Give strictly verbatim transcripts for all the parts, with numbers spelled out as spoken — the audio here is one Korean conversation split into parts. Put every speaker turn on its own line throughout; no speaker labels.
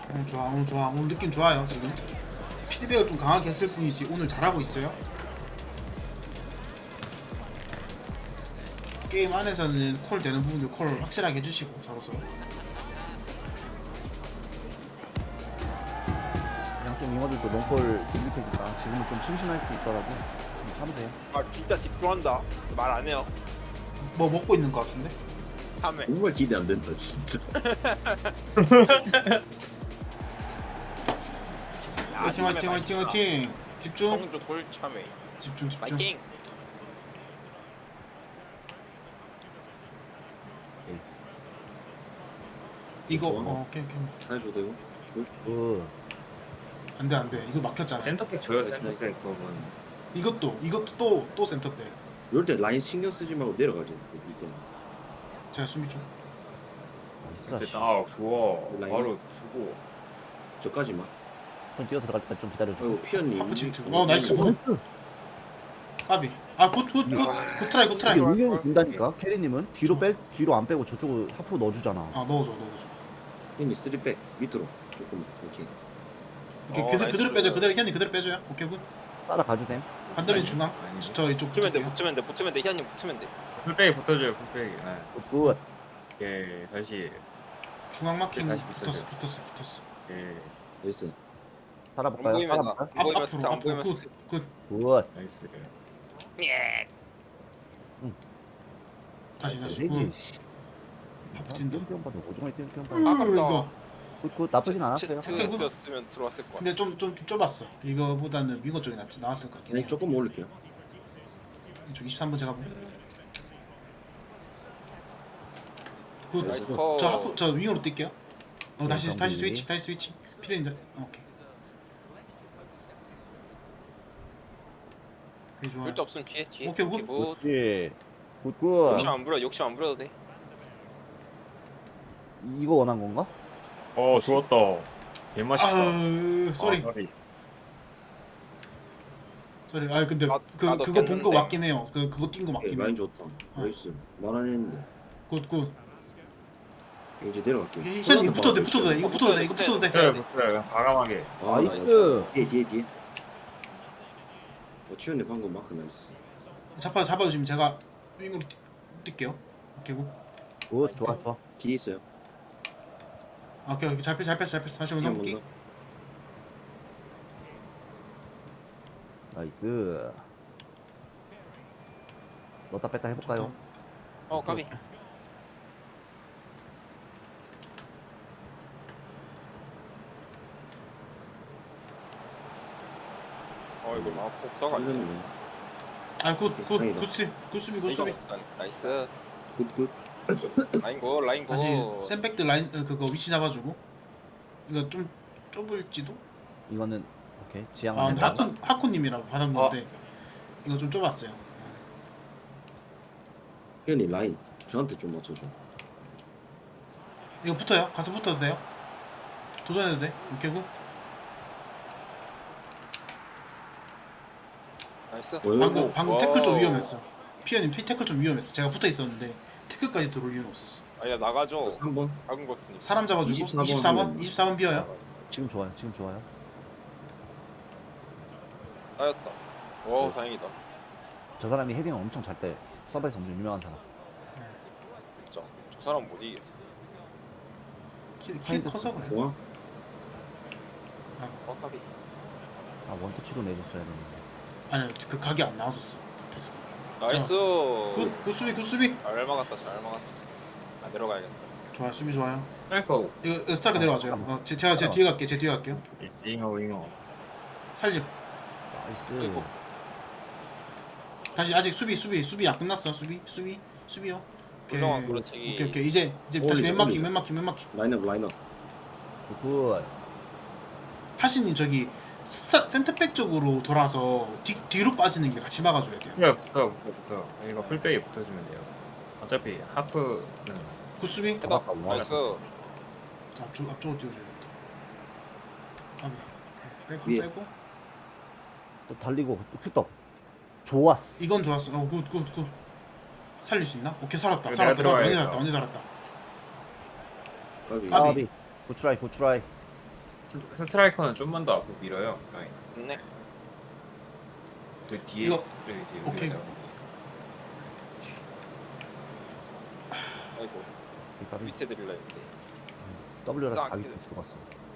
오늘 좋아, 오늘 좋아, 오늘 느낌 좋아요. 지금 피드백을 좀 강하게 했을 뿐이지 오늘 잘하고 있어요. 게임 안에서는 콜 되는 부분들 콜 확실하게 해주시고 저로서.
양쪽 윙어들도 롱볼 공격해니까 지금은 좀 심심할 수 있더라도 좀 참으세요.
아 진짜 집중한다. 말 안 해요.
뭐 먹고 있는 것 같은데?
참해.
정말 기대 안 된다 진짜.
화이팅 화이팅 화이팅 화이팅. 집중
성주 골 참해.
집중 집중.
파이팅.
이거 어 오케이 오케이.
해줘도 되고.
그
안돼 안돼 이거 막혔잖아.
센터백 줘요
나이스, 나이스.
센터백 그건.
이것도 이것도 또 또 센터백.
이럴 때 라인 신경 쓰지 말고 내려가지. 이때.
제가 수비 좀.
나이스.
근데
씨.
딱 주워
라인.
바로 주고
저까지만.
형 뛰어 들어갈 때까지 좀 기다려줘.
아이고 피언님.
하프 침투. 어, 나이스.
나이스.
까비. 아굿굿굿 굿 트라이 굿 트라이.
이게 의견이 된다니까. 캐리님은 뒤로 빼 뒤로 안 빼고 저쪽으로 하프 넣어주잖아.
아 넣어줘 넣어줘.
피언님 쓰리백 밑으로 조금 이렇게.
이렇게
어,
그대로
나이스.
그대로 빼줘 그대로 현이 그대로 빼줘요. 오케이 굿.
따라가도 됨.
반대면 중앙.
아니지.
저 이쪽
붙으면 돼.
붙을게요.
붙으면 돼. 붙으면 돼. 희한님 붙으면 돼.
풀백이 붙어줘요 풀백이. 네.
굿.
예 다시
중앙 마킹
다시
붙었어
붙어줘요.
붙었어 붙었어.
예
나이스.
안
살아볼까요?
보이면 나.
살아볼까요?
안 보이면
앞
스타.
앞으로
안 보이면
앞으로
스타.
굿.
굿.
나이스.
예.
다시 다시
세지.
굿.
씨.
하프 뛴다.
띄엄띄엄 봐도 오종에 띄엄띄엄
음,
봐도.
아깝다.
이거.
굿굿 나쁘진 않았어요.
치트였으면 들어왔을 것 같아.
근데 좀 좀 좁았어. 이거보다는 윙어 쪽이 낫지 나왔을 것 같긴
네
해요.
조금 올릴게요.
이쪽 이십삼 번 제가 보. 굿.
나이스
어.
컷.
저 하프 저 윙어로 뛸게요. 어 다시
네,
다시
정비.
스위치 다시 스위치. 필요인데. 어, 오케이. 오케이 좋아.
절대 없으면 뒤에 뒤에.
오케이, 굿.
굿.
예. 굿굿.
욕심 안 부려. 욕심 안 부려도 돼.
이거 원한 건가?
어 좋았다. 개 맛있다.
아 쏘리
아, 쏘리.
쏘리. 아 근데
나-
그
나도
그거 본 거
꼈는데.
맞긴 해요. 그 그거 뛴 거
예,
맞긴
라인
해.
좋다. 나이스. 말 안 했는데.
굿굿.
이제 내려갈게요.
현 이거 붙어도 돼 붙어도 돼 이거 붙어도 돼 이거 붙어도 돼.
붙어요 붙어요 그냥 과감하게.
아,
나이스.
뒤에 뒤에 뒤에. 어 치훈이 방금 마크 나이스.
잡아 잡아주시면 제가 윙으로 뛰- 뛸게요. 오케이 굿.
굿 좋아 좋아.
뒤에 있어요.
아, 오케이 오케이 잘 뺐어 잘 뺐어 잘 뺐어. 다시 원상
한번
볼게.
더.
나이스. 넣었다 뺐다 해볼까요?
어 까비. 어 이거 막 복사가 안 돼.
걸렸네.
아굿굿
다행이다.
굿수비 굿수비
이거
굿수비.
없어. 나이스.
굿굿.
라인 고 라인 고.
다시 샌백들 라인 어, 그거 위치 잡아주고. 이거 좀 좁을지도.
이거는 오케이 지향.
아 근데
면
하쿤 하쿤님이라고 받은 건데 이거 좀 좁았어요.
피언이 라인 저한테 좀 맞춰줘.
이거 붙어요. 가서 붙어도 돼요. 도전해도 돼. 오케이 굿.
나이스.
방금 방금
와우.
태클 좀 위험했어. 피아님 피 태클 좀 위험했어. 제가 붙어 있었는데 태클까지 들어올 이유는 없었어.
아야 나가죠.
삼 번.
작은 거 쓰니까.
사람 잡아주고
이십사 번
이십사 번
하면-
이십사 번 비어요.
지금 좋아요. 지금 좋아요.
나였다. 와 다행이다.
저 사람이 헤딩을 엄청 잘 때. 서버에서 엄청 유명한 사람.
진짜 저 사람 못 이기겠어.
키, 키 커서 그래.
좋아.
어 까비.
아 원터치로 내줬어야 되는데.
아니 그 각이 안 나왔었어. 패스.
나이스.
굿, 굿 수비 굿 수비.
잘 막았다 잘 막았다. 아 내려가야겠다.
좋아요 수비 좋아요.
스트라이커
이거 스타크 내려와줘요. 어, 제, 제가 제 뒤에 갈게 제 뒤에 갈게요.
윙어 윙어.
살려.
나이스.
아이고.
다시 아직 수비 수비 수비 안 끝났어. 수비 수비 수비요. 오케이
훌륭한 그렇지.
오케이 오케이 이제 이제
어,
다시
이제
맨 마킹
올리자.
맨 마킹 맨 마킹.
라인업 라인업.
굿.
하신님 저기 스타, 센터백 쪽으로 돌아서 뒤, 뒤로 빠지는 게 같이 막아줘야 돼요.
붙어요 붙어 붙어 붙어. 이거 풀백이 붙어주면 돼요. 어차피 하프는
굿수비.
해봐.
아,
나이스.
자, 앞쪽 앞쪽으로 띄워줘야겠다. 아, 네. 빼고
위에.
빼고.
또 달리고 또 큐떡. 좋았어.
이건 좋았어. 어, 굿, 굿, 굿. 살릴 수 있나? 오케이 살았다.
이거
살았다.
내가
언제
들어가야겠다.
살았다. 언제 살았다.
까비.
까비.
까비. 굿트라이 굿트라이.
스- 스트라이커는 좀만 더 앞으로 밀어요. 라인.
좋네.
그 뒤에
이거-
그래, 이제
오케이.
우리가
아이고
그러니까
밑에 드릴라 했는데.
W라서
싹
가기
됐어.
들어갔어.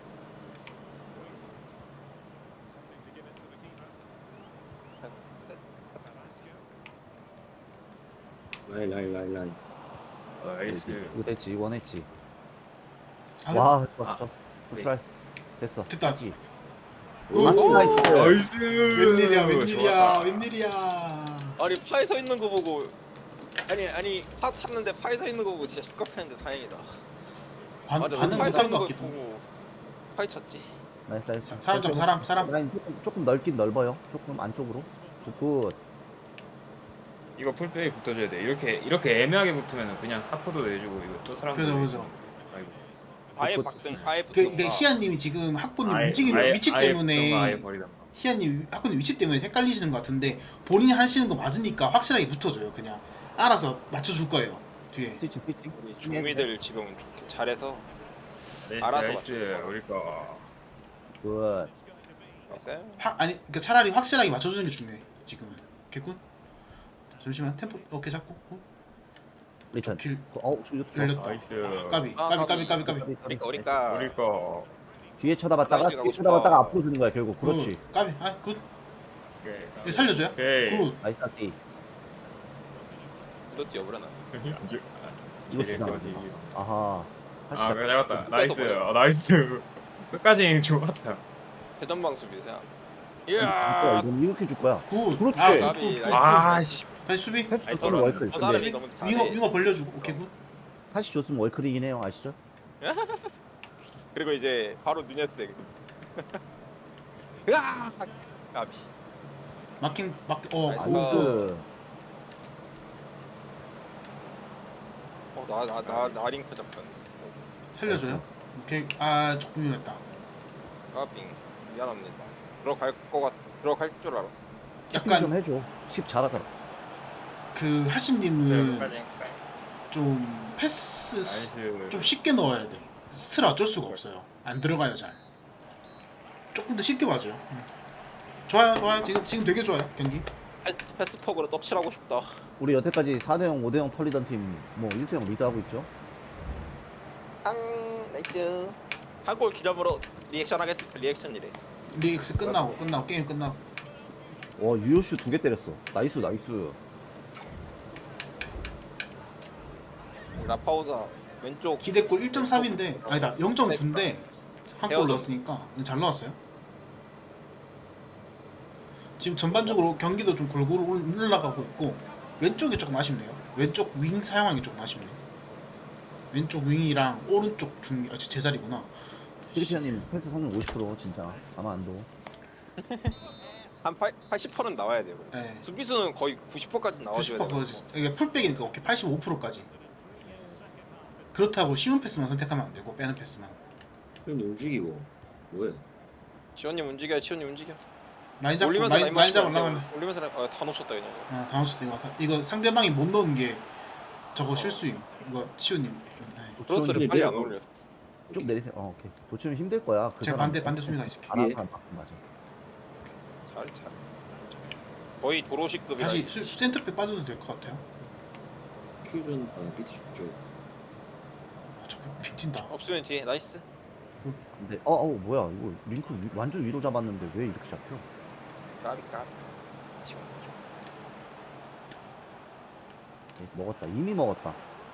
라인 라인 라인 라인.
나이스.
이거 됐지, 원했지.
아,
와,
아,
좋았어.
네.
트라이 됐어.
됐다.
됐지.
굿.
아, 나이스.
나이스.
웬일이야 웬일이야
좋았다.
웬일이야.
아니 파에 서 있는 거 보고 아니 아니 파 탔는데 파에 서 있는 거 보고 진짜 시끄럽했는데 다행이다.
반,
맞아,
반응
파에 서
못한
있는
것
거
같기도.
보고 파에 쳤지.
나이스, 나이스.
사람 잡아, 사람, 사람.
라인 조금, 조금 넓긴 넓어요. 조금 안쪽으로. 굿.
이거 풀백이 붙어줘야 돼. 이렇게 이렇게 애매하게 붙으면 그냥 하프도 내주고 이거 또 사람도
그죠,
내주고.
그죠.
아이고.
파에
그-
박든 파에
그,
붙든
이게 희아님이 지금 학부님
아예-
움직이는
아예-
위치
아예 붙던가 아예
때문에
버리던가.
희아님 학부님 위치 때문에 헷갈리시는 것 같은데 본인이 하시는 거 맞으니까 확실하게 붙어줘요. 그냥 알아서 맞춰줄 거예요. 뒤에.
스위치, 스위치.
우리 중미들 지금 좋게 잘해서
네,
알아서
나이스.
맞춰줄
우리 거.
굿.
나이스.
하, 아니 그러니까 차라리 확실하게 맞춰주는 게 중요해. 지금은. 개꿀. 잠시만 템포 어깨 잡고. 어?
리턴.
길
어우, 저 이거
열렸다.
나이스.
아, 까비
아,
까비 까비 까비
까비.
까비.
우리까 우리까
우리 거.
뒤에 쳐다봤다가,
나이스 가고
뒤에
싶어.
쳐다봤다가 앞으로 주는 거야, 결국. 그렇지.
굿. 까비. 아 굿.
오케이.
이거 살려줘요.
오케이.
굿.
나이스, 나이스.
이렇지 여부려나.
이거 주잖아. 아하.
아,
하시죠.
그래 잡았다.
끝까지
나이스.
보여.
아, 나이스. 끝까지 좋았다.
회전방 수비자.
줄 거야,
이야.
이건 이렇게 줄 거야.
굿.
그렇지.
아, 굿,
까비,
굿, 굿,
나이스.
굿.
아, 씨.
다시 수비.
패스
아니,
줬으면
저는-
월클.
저 사람이
근데
너무 잘해.
윙어 윙어 벌려주고. 오케이 굿.
다시 줬으면 월클이긴 해요, 아시죠?
그리고 이제 바로 누네스. 으아. 까비.
마킹 막어
나이스.
굿.
나이스.
어나 나 나 나 링크 잡혔네.
살려줘요. 오케이. 아 조금 위험했다.
까비. 미안합니다. 들어갈 거 같. 들어갈 줄 알았어.
키핑 좀
약간
해줘. 십 잘하더라.
그 하신님은
끝까지.
좀 패스
나이스.
좀 쉽게 넣어야 돼. 스트라 어쩔 수가 없어요. 안 들어가요 잘. 조금 더 쉽게 맞아요. 응. 좋아요, 좋아요. 지금 지금 되게 좋아요 경기.
패스, 패스폭으로 떡칠하고 싶다.
우리 여태까지 사 대 영, 오 대 영 털리던 팀 뭐 일 대 영 리드하고 있죠?
앙 나이스. 한 골 기념으로 리액션 하겠습니다. 리액션이래.
리엑스 끝나고 끝나고 게임 끝나고.
와 유효슈 두 개 때렸어. 나이스 나이스.
라파우자 왼쪽.
기대골 일 점 삼인데 아니다 영 점 구인데 한 골
헤어져.
넣었으니까 잘 넣었어요. 지금 전반적으로 경기도 좀 골고루 올- 올라가고 있고 왼쪽이 조금 아쉽네요. 왼쪽 윙 사용하기 조금 아쉽네. 왼쪽 윙이랑 오른쪽 중 아, 제 자리구나.
피리피아님 패스 성능 오십 퍼센트 진짜 아마 안 도.
한 팔십 퍼센트는 나와야 돼요.
네.
수비수는 거의 구십 퍼센트까지 나와줘야
구십 퍼센트
돼요.
거지. 이게 풀백이니까 오케이 팔십오 퍼센트까지. 그렇다고 쉬운 패스만 선택하면 안 되고 빼는 패스만.
형님 움직이고 뭐야?
시원님 움직여, 시원님 움직여.
라인 잡고
올리면서
라인,
라인
라인
맞추고
잡으려면
올려- 올리면서 라인- 아, 다 놓쳤다 그냥.
아, 다음 주 이거 다- 이거 상대방이 못 넣은 게 저거 실수임. 이거 시우님. 네.
크로스를
시원님
빨리 안
내려.
올렸어.
쭉 내리세요. 어 오케이. 도치면 힘들 거야. 그
제가
사람.
반대 반대 수비가 있을게.
안 하는
예.
사람 바꾼 맞아.
잘 잘. 거의 도로시급이라.
다시 수, 수 센터백 빠져도 될 것 같아요.
퓨전 아 비트 쪽.
아, 저거 핑 튄다.
없으면 뒤에 나이스.
근데 어, 어 뭐야 이거 링크 위, 완전 위로 잡았는데 왜 이렇게 잡혀?
까비 까비. 아쉬워.
그래서 먹었다. 이미 먹었다.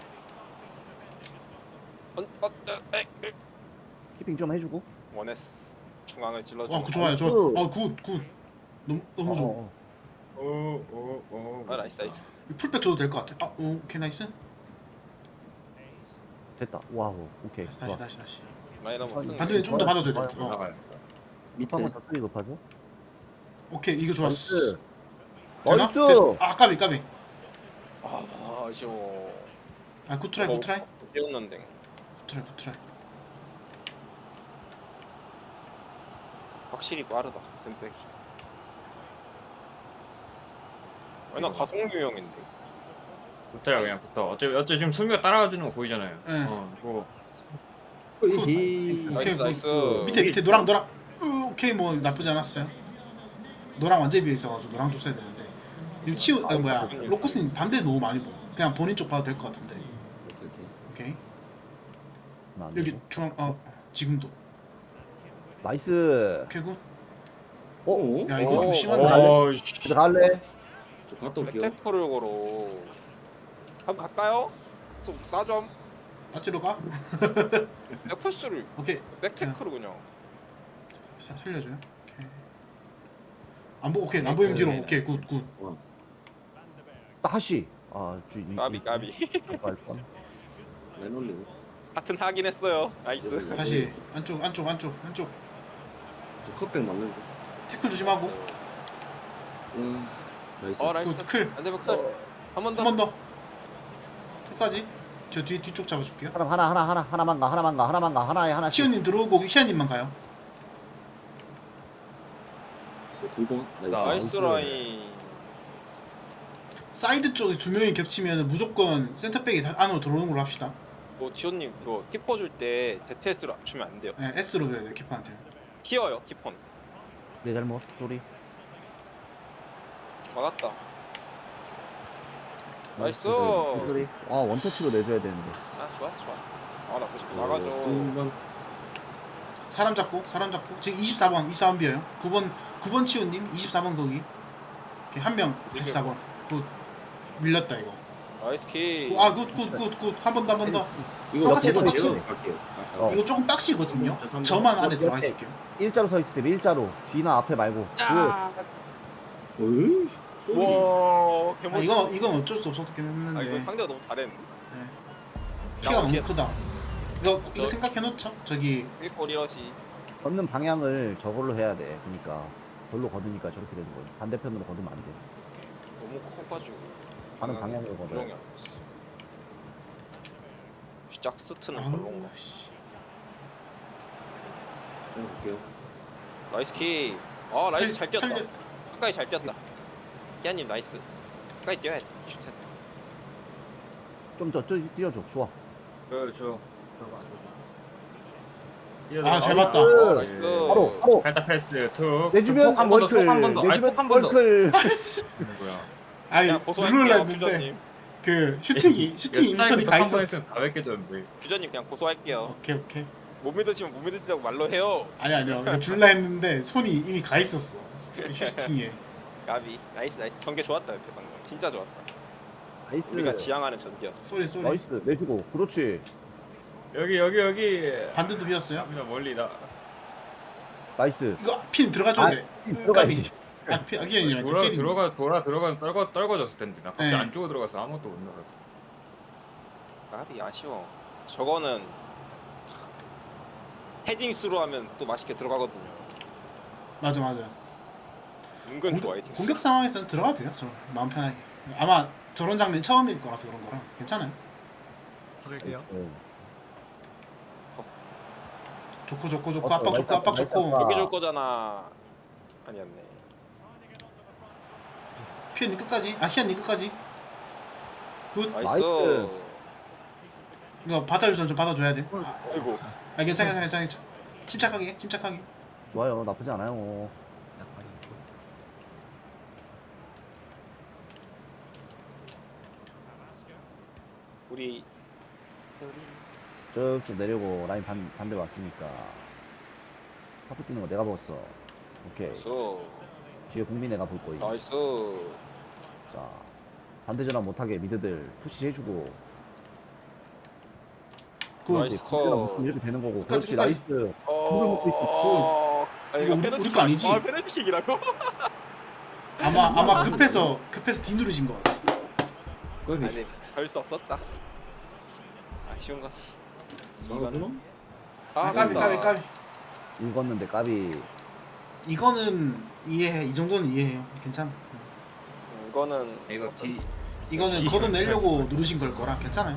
어, 어, 어, 에, 에.
키핑 좀 해주고.
원했어. 중앙을 찔러줘.
와, 그 좋아요. 좋아.
그-
아, 굿, 굿. 너무 너무 좋아.
어, 어,
오오오.
아 나이스 나이스.
이 풀백 줘도 될 것 같아. 아, 오, 오케이 나이스.
됐다. 와우. 오케이.
다시
좋아.
다시 다시.
많이 넘었어.
반대면 좀 더 받아줘야 돼. 어.
나가요.
밑에
한번 더 소리 높아줘.
오케이 이거 좋았어.
나이스.
되나?
나이스.
됐어. 아, 까비 까비.
아 아쉬워.
아, 굿 트라이, 굿 트라이.
뛰었는데.
굿 트라이, 굿 트라이.
확실히 빠르다. 샌백이. 아니 나 가성류 형인데.
붙어요 그냥 붙어. 어차피 어차피 지금 수미가 따라가 주는 거 보이잖아요.
네.
어, 뭐
으이.
나이스
그,
나이스.
밑에 밑에 노랑 노랑. 으, 오케이 뭐 나쁘지 않았어요. 노랑 완전 비어 있어가지고 노랑 줬어야 되는데. 지금 치우 아 뭐야 로코스님 반대 너무 많이 보. 그냥 본인 쪽 봐도 될 것 같은데.
오케이 오케이.
오케이.
나안
여기
되고.
중앙 어 지금도.
나이스.
오케이 굿.
어?
야 이거 좀
오,
심한데.
어, 씨.
들어갈래?
저 갔다 올게요.
백테크를 걸어. 한번 갈까요? 나좀
맞지로 가?
백패스를
오케이.
백테크를 그냥.
사- 살려줘요. 오케이. 안 보, 오케이. 안 보이면 뒤로. 오케이, 굿, 굿.
다시. 아, 주 이-
까비
이-
까비.
갈 뻔.
라인 올리고.
같은 하긴 했어요. 나이스.
다시 안쪽, 안쪽, 안쪽, 안쪽.
저 컵백 맞는데.
태클 조심하고.
와. 나이스.
어 나이스.
굿, 클.
안되면 클. 한 번 더.
한 번 더. 끝까지. 저 뒤 뒤쪽 잡아줄게요.
하나 하나 하나 하나 하나만 가 하나만 가 하나만 가 하나에 하나씩.
시온님 들어오고 희아님만 가요.
구 번. 나이스.
나-
나이스 라인.
사이드 쪽에 두 명이 겹치면 무조건 센터백이 다- 안으로 들어오는 걸로 합시다.
뭐 지원님 그거 키퍼 줄 때 데트에스로 주면 안 돼요.
네, S로 줘야 돼 키퍼한테.
키어요 키퍼는.
내 잘못. 소리.
막았다. 나이스.
소리. 아, 원터치로 내줘야 되는데.
아 좋았어 좋았어. 아 나쁘지
어,
나가죠.
구 번.
사람 잡고, 사람 잡고. 지금 이십사 번, 이십사 번 비어요. 구 번, 구 번 치우님, 이십사 번 거기. 오케이, 한 명, 사십사 번. 굿. 밀렸다 이거.
나이스 키.
아, 굿, 굿, 굿, 굿. 한 번 더, 한 번 더.
이거
똑같이,
나
똑같이.
제가 갈게요. 아, 아.
어.
이거 조금 빡시거든요.
삼 번,
저만 안에
옆에.
들어가 있을게요.
일자로 서 있을 때 일자로. 뒤나 앞에 말고.
아,
어이. 쏘리.
와
아,
개멋있어.
이거 이건 어쩔 수 없었긴
아
했는데
이거 상대가 너무 잘했네.
네. 피가 너무
나오지.
크다. 이거 이거
저-
생각해 놓죠. 저기
일골 이러시.
걷는 방향을 저걸로 해야 돼. 그러니까 별로 걷으니까 저렇게 되는 거지. 반대편으로 걷으면 안 돼.
너무 커가지고.
가는 방향으로 걷어야
물렁이
돼.
안 됐어. 짝스트는
아우
별론가.
씨.
제가 볼게요.
나이스 키. 아 나이스
살-
잘 뛰었다.
살려-
끝까지 잘 뛰었다. 기아님 나이스. 끝까지 뛰어야 돼. 슛.
좀더 뛰어줘. 좋아.
저, 저.
아, 잘 봤다.
아, 나이스.
바로 바로
살짝 패스 툭.
내주면
한번 더,
월클.
한 번 더. 아니,
내주면
톡한번 더.
월클.
뭐야?
아니
그냥
누르려
고소할게요
했는데
퓨전님.
그 슈팅이 슈팅 임선이 가 있었어.
다 벗겨졌는데.
퓨전님 그냥 고소할게요.
오케이 오케이.
못 믿으시면 못 믿으시다고 말로 해요.
아니 아니요. 이거 줄라 했는데 손이 이미 가 있었어. 슈팅에.
가비. 나이스 나이스. 전개 좋았다 이렇게 방금. 진짜 좋았다.
나이스.
우리가 지향하는 전개였어.
쏘리 쏘리.
나이스. 내주고. 그렇지.
여기 여기 여기.
반대도 비었어요.
갑니다 멀리 나.
나이스.
이거 핀 들어가줘야
아,
돼.
들어가야지.
아, 피 아기 아니라
돌아 들어가 돌아 들어가 떨궈 떨궈졌을 텐데 나 갑자기
네.
안쪽으로 들어가서 아무것도 못 나갔어.
가비 아쉬워. 저거는 헤딩스로 하면 또 맛있게 들어가거든요.
맞아 맞아.
은근 좋아
공격,
헤딩스.
공격 상황에서는 들어가도 돼요. 저 마음 편하게. 아마 저런 장면 처음일 거라서 그런 거라 괜찮아요.
네.
좋고 좋고 좋고
어,
압박 좋고 압박
나이스,
좋고.
나이스.
여기 줄 거잖아. 아니었네.
피언니 끝까지. 아 희안니 끝까지. 굿.
나이스.
나이스.
이거 받아줄 좀 받아줘야 돼. 아,
아이고.
아 괜찮아 괜찮아 괜찮아. 침착하게 침착하게.
좋아요. 나쁘지 않아요.
우리
쭉쭉 내려고 라인 반, 반대 왔으니까 파프 뛰는 거 내가 봤어. 오케이.
나이스.
뒤에 국민 내가 볼 거임.
나이스.
자, 반대 전환 못하게 미드들 푸시 해주고.
굿.
나이스.
이제 국민이랑 붙으면 이렇게 되는 거고.
끝까지,
그렇지.
끝까지.
나이스.
어. 아니
이거
이거
우리-
페널티킥
우리 거 아니지?
아 페널티킥이라고?
아마 아마 급해서 급해서 뒤 누르신 것 같아.
까비.
아니 별 수 없었다. 아쉬운 거지.
막았나?
아, 까비 까비 까비.
읽었는데 까비.
이거는 이해해. 이 정도는 이해해요. 괜찮아.
음, 이거는
이거 뒤
이거는 걷어내려고 누르신 걸 거라 괜찮아요.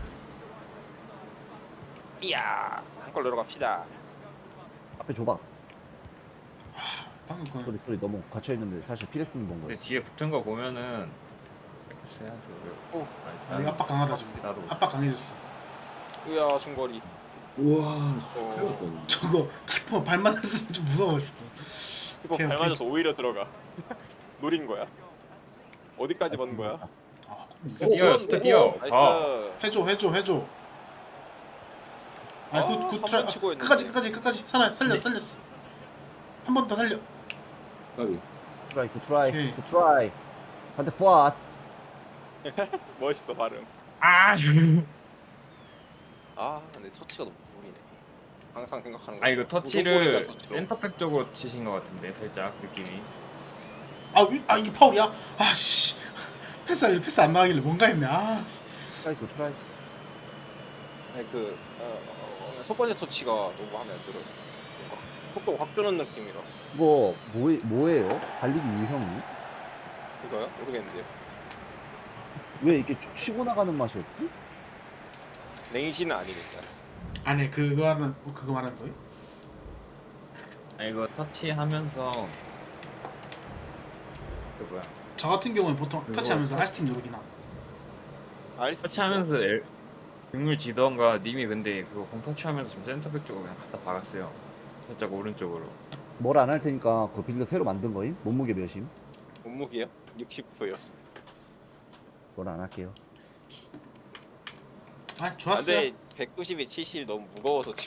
이야 한 골 내려갑시다.
앞에 줘봐.
방금 그
소리 소리 너무 갇혀 있는데 사실 피레스는 본
근데
거야.
뒤에 붙은 거 보면은 이렇게 해야지.
오.
우리 압박 강하다 지금.
나도
압박 강해졌어.
으야 중거리.
우와, 씨,
어.
큰일 났다.
저거 키퍼 발만 했으면 좀 무서웠어.
이거
오케이,
발
오케이.
맞아서 오히려 들어가. 노린 거야. 어디까지 보는 거야?
아,
스타 뛰어요, 스타 뛰어. 가.
나이스.
해줘 해줘 해줘.
아,
아굿굿
한번
트라이.
치고 했는데.
끝까지 끝까지 끝까지 살아 살렸어 살렸어. 한 번 더 살려.
까비.
트라이 굿 트라이
오케이.
굿 트라이 한대 포아츠.
멋있어 발음.
아.
아 근데 터치가 너무 무리네. 항상 생각하는 거.
아 이거 터치를
무조건이다, 터치로.
센터백 쪽으로 치신 것 같은데 살짝 느낌이.
아, 위, 아 이게 파울이야? 아씨 패스 할래 패스 안 나가길래 뭔가 했네. 아 씨.
트라이 굿 트라이.
아니 그 어, 어, 어, 첫 번째 터치가 너무 마음에 안 들어요. 뭔가 속도 확 주는 느낌이라.
이거 뭐 뭐예요? 달리기 유형이?
이거요? 모르겠는데요.
왜 이렇게 쭉 치고 나가는 맛이 없지?
랭시는 아니니까.
아니 그거 하는 그거 말하는 거예요?
아 이거 터치하면서 그 뭐야?
저 같은 경우는 보통
그거
터치하면서
터-
알스틱 누르긴 함.
알스
터치하면서 엘, 등을 지던가 님이 근데 그거 공 터치하면서 좀 센터백 쪽으로 그냥 갖다 박았어요. 살짝 오른쪽으로.
뭘 안 할 테니까 그 빌드 새로 만든 거임? 몸무게 몇임?
몸무게요? 육십 퍼요.
뭘 안 할게요.
아 좋았어요.
근데 백구십이 칠십 너무 무거워서